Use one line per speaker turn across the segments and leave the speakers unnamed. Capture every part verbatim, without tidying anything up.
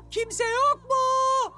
Kimse yok mu?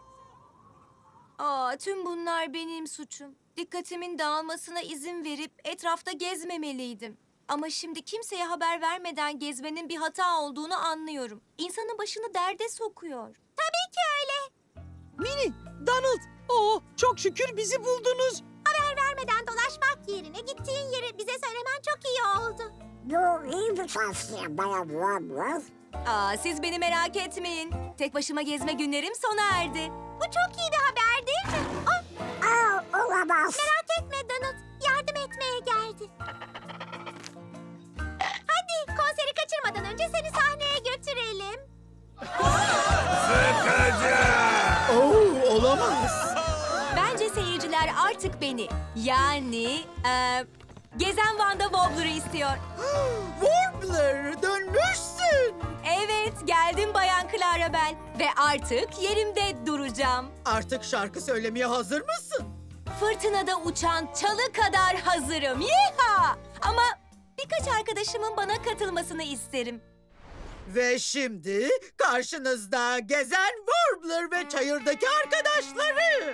Aa, tüm bunlar benim suçum. Dikkatimin dağılmasına izin verip etrafta gezmemeliydim. Ama şimdi kimseye haber vermeden gezmenin bir hata olduğunu anlıyorum. İnsanın başını derde sokuyor. Tabii ki öyle.
Mini, Donald. Oh, çok şükür bizi buldunuz.
Haber vermeden dolaşmak yerine gittiğin yeri bize söylemen çok iyi oldu.
Bu iyi bir tavsiye Bayan Wobbler.
Aa, siz beni merak etmeyin. Tek başıma gezme günlerim sona erdi.
Bu çok iyi bir haber değil mi? Oh,
Aa, olamaz.
merak etme Donald. Yardım etmeye geldi. Hadi konseri kaçırmadan önce seni sahneye götürelim.
Oo, olamaz.
Bence seyirciler artık beni, yani e, Gezen Wanda Wobbler'ı istiyor.
Warbler, dönmüşsün.
Evet, geldim Bayan Clarabel ve artık yerimde duracağım.
Artık şarkı söylemeye hazır mısın?
Fırtınada uçan çalı kadar hazırım. Yeha! Ama birkaç arkadaşımın bana katılmasını isterim.
Ve şimdi karşınızda Gezen Warbler ve çayırdaki arkadaşları.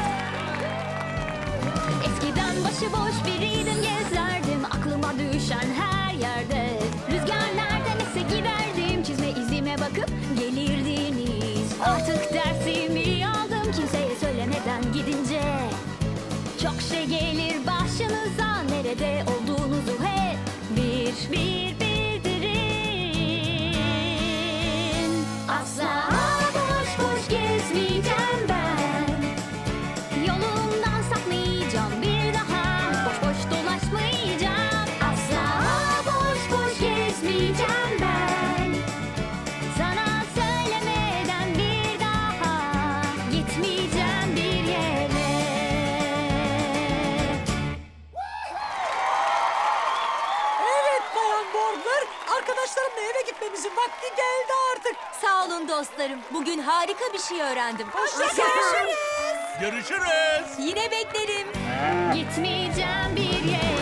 Eskiden başıboş biriydim, gezerdim aklıma düşen her yerde. Rüzgar nereden ese giderdim, çizme izime bakıp gelirdiniz. Artık dersimi aldım kimseye söylemeden gidince. Çok şey gelir başınıza, nerede olduğunuzu hep bir bir bildirin. Asla boş boş gezmeyeceğim ben. Yolumdan sapmayacağım bir daha. Boş boş dolaşmayacağım. Asla boş boş gezmeyeceğim ben. Sana söylemeden bir daha gitmeyeceğim bir yere.
Evet Bayan Warbler, arkadaşlarımla eve gitmemizin vakti geldi artık.
Sağ olun dostlarım. Bugün harika bir şey öğrendim.
Hoşçakalın.
Görüşürüz.
Yine beklerim.
Gitmeyeceğim bir yere.